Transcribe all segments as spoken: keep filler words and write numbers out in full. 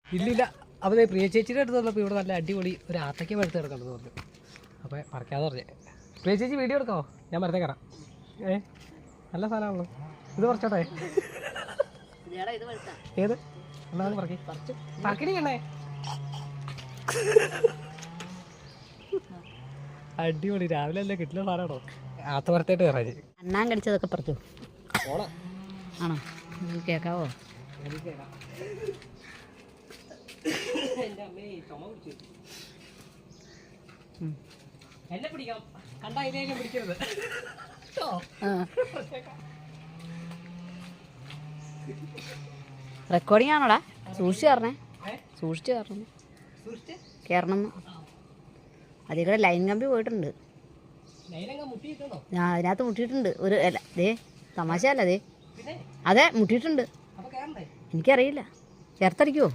ഇല്ലില്ല. അപ്പോൾ പ്രിയ ചേച്ചിയുടെ അടുത്ത് വന്നപ്പോൾ ഇവിടെ നല്ല അടിപൊളി ഒരു ആത്തയ്ക്ക പഴുത്ത് കിടക്കണമെന്ന് പറഞ്ഞു. അപ്പോൾ പറിക്കാതെ പറഞ്ഞേ. പ്രിയ ചേച്ചി വീഡിയോ എടുക്കാമോ? ഞാൻ മരത്തെ കയറാം. ഏ നല്ല സാധനമാണല്ലോ. ഇത് പറിച്ചോട്ടെ? ഏത് എന്നാണ് പറക്കി പറക്കണിക്കണേ? അടിപൊളി. രാവിലെ അല്ലേ കിട്ടുന്ന സാധനമാണോ? ആത്ത മരത്തായിട്ട് കയറാൻ അണ്ണാൻ കടിച്ചതൊക്കെ പറിച്ചു ആണോ? കേൾക്കാവോ? എന്നെ പിടിക്കാം. കണ്ട അതിനെ പിടിക്കരുത്. റെക്കോർഡിംഗ് ആണോടാ? സൂക്ഷിച്ച് കയറണേ, സൂക്ഷിച്ച് കയറണം കയറണം. അതിൽ കൂടെ ലൈൻ കമ്പി പോയിട്ടുണ്ട്. ഞാൻ അതിനകത്ത് മുട്ടിയിട്ടുണ്ട്. ഒരു അല്ല ദേ തമാശയല്ല ദേ അതെ മുട്ടിയിട്ടുണ്ട്. എനിക്കറിയില്ല. ചേർത്തടിക്കുമോ?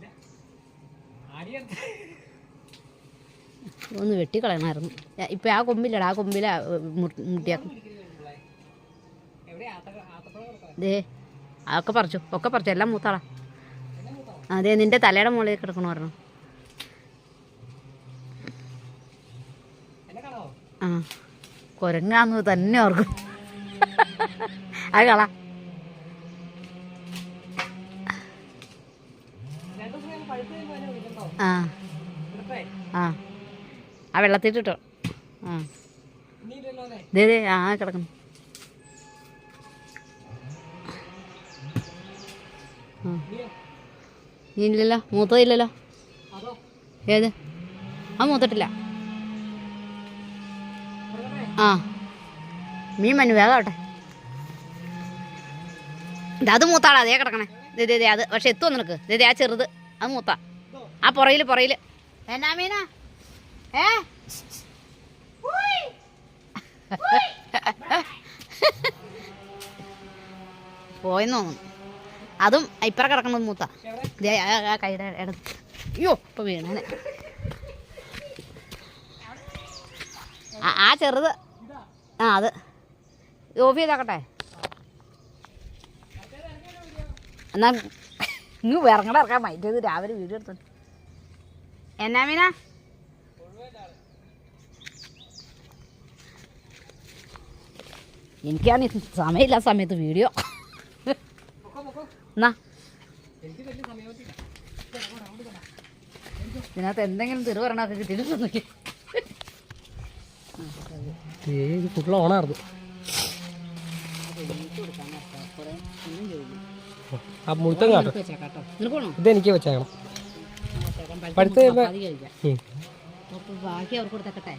ഒന്ന് വെട്ടിക്കളയണമായിരുന്നു. ഇപ്പം ആ കൊമ്പില്ലടാ, ആ കൊമ്പില മുട്ടിയാക്കും. ദേ അതൊക്കെ പറിച്ചു, ഒക്കെ പറിച്ചു. എല്ലാം മൂത്താളാ. അതെ നിൻ്റെ തലയുടെ മുകളിൽ കിടക്കണമായിരുന്നു. ആ കുരങ്ങാന്ന് തന്നെ ഓർക്കും. അത് കള. ആ ആ ആ വെള്ളത്തിട്ടോ. ആ ദേ ദേ ആ കിടക്കുന്നു. ആ നീ ഇല്ലല്ലോ, മൂത്തതില്ലല്ലോ. ഏത്? ആ മൂത്തിട്ടില്ല. ആ മീൻ മനു വേഗം ആവട്ടെ. അത് മൂത്താളാ. അതേ കിടക്കണേ. ദേ ദേ അത് പക്ഷെ എത്തുമോ നിനക്ക്? ദേ ദേ ആ ചെറുത് അത് മൂത്താ. ആ പുറയിൽ പുറയിൽ എന്നാ മീനാ? ഏ പോയെന്ന് തോന്നുന്നു. അതും ഇപ്പറ കിടക്കുന്നത് മൂത്ത. ആ കൈയുടെ ഇടത്ത്. അയ്യോ ഇപ്പൊ വീണേ. ആ ചെറുത്. ആ അത് ഓഫ് ചെയ്താക്കട്ടെ. എന്നാ ഇങ്ങ് ഇറങ്ങട ഇറക്കാൻ മൈറ്റത് രാവിലെ വീഡിയോ എടുത്തു. എന്നാ മീനാ? എനിക്കാണ് സമയമില്ല സമയത്ത് വീഡിയോ. എന്നാ ഇതിനകത്ത് എന്തെങ്കിലും തിരു പറഞ്ഞൊക്കെ കിട്ടിയിട്ട് ഫുൾ ഓണായിരുന്നു. ആ മുഴുത്തം കാട്ടോ. ഇതെനിക്ക് വെച്ചേക്കണം. പഴുത്ത് ബാക്കി അവർക്ക് കൊടുത്തേക്കട്ടെ.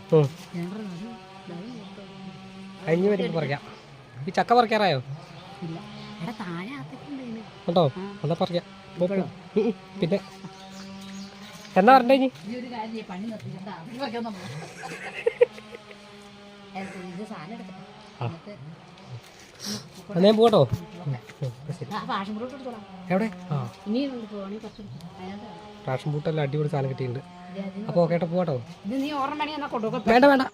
കഴിഞ്ഞ് വരുമ്പോൾ പറിക്കാം. ഈ ചക്ക പറിക്കാറായോ? കേട്ടോ എന്നാ പറിക്കാം. പിന്നെ എന്നാ പറഞ്ഞേ? ഇനി ഞാൻ പോട്ടോ. എവിടെ? ആ ഫാഷൻ ബൂട്ടെല്ലാം അടിപൊളി സാധനം കിട്ടിയിട്ടുണ്ട്. അപ്പോൾ കേട്ടോ പോട്ടോ. വേണ്ട വേണ്ട